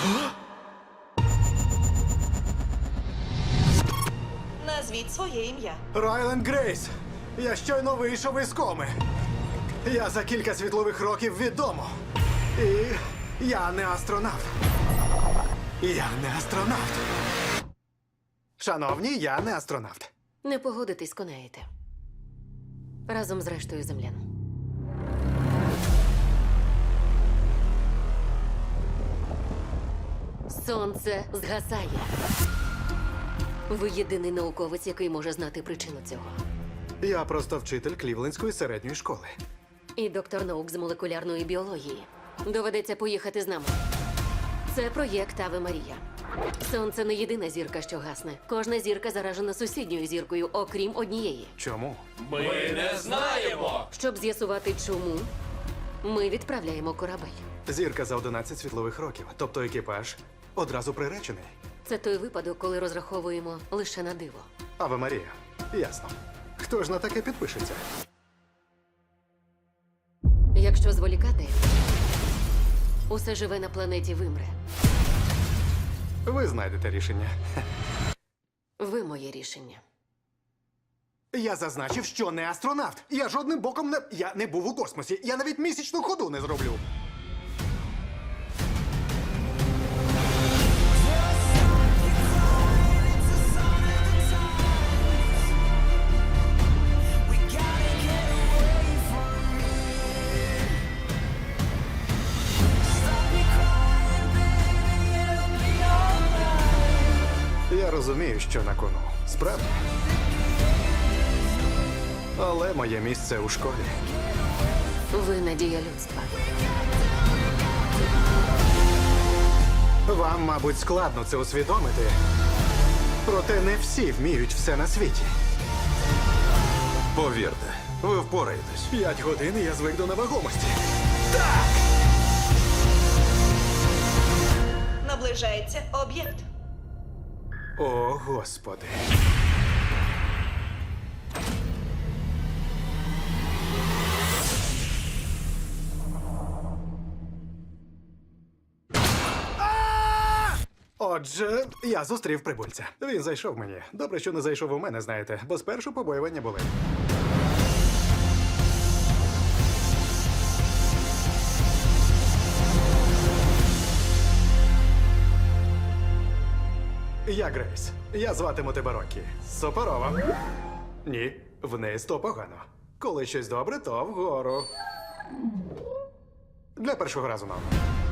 Назвіть своє ім'я. Райленд Грейс. Я щойно вийшов із коми. Я за кілька світлових років відомо. І я не астронавт. Я не астронавт. Шановні, я не астронавт. Не погодитись, конаєте. Разом з рештою землян. Сонце згасає. Ви єдиний науковець, який може знати причину цього. Я просто вчитель Клівлендської середньої школи. І доктор наук з молекулярної біології. Доведеться поїхати з нами. Це проєкт Аве Марія. Сонце не єдина зірка, що гасне. Кожна зірка заражена сусідньою зіркою, окрім однієї. Чому? Ми не знаємо! Щоб з'ясувати, чому, ми відправляємо корабель. Зірка за 11 світлових років, тобто екіпаж одразу приречений. Це той випадок, коли розраховуємо лише на диво. Аве Марія. Ясно. Хто ж на таке підпишеться? Якщо зволікати, усе живе на планеті вимре. Ви знайдете рішення. Ви моє рішення. Я зазначив, що не астронавт. Я жодним боком не... Я не був у космосі. Я навіть місячну ходу не зроблю. Я розумію, що на кону. Справді. Але моє місце у школі. Ви надія людства. Вам, мабуть, складно це усвідомити. Проте не всі вміють все на світі. Повірте, ви впораєтесь. 5 годин і я звик до невагомості. Наближається об'єкт. О, Господи. Отже, я зустрів прибульця. Він зайшов мені. Добре, що не зайшов у мене, знаєте, бо спершу побоювання були. Я Грейс. Я зватиму тебе Рокі. Сопорова. Ні, вниз то погано. Коли щось добре, то вгору. Для першого разу, мам.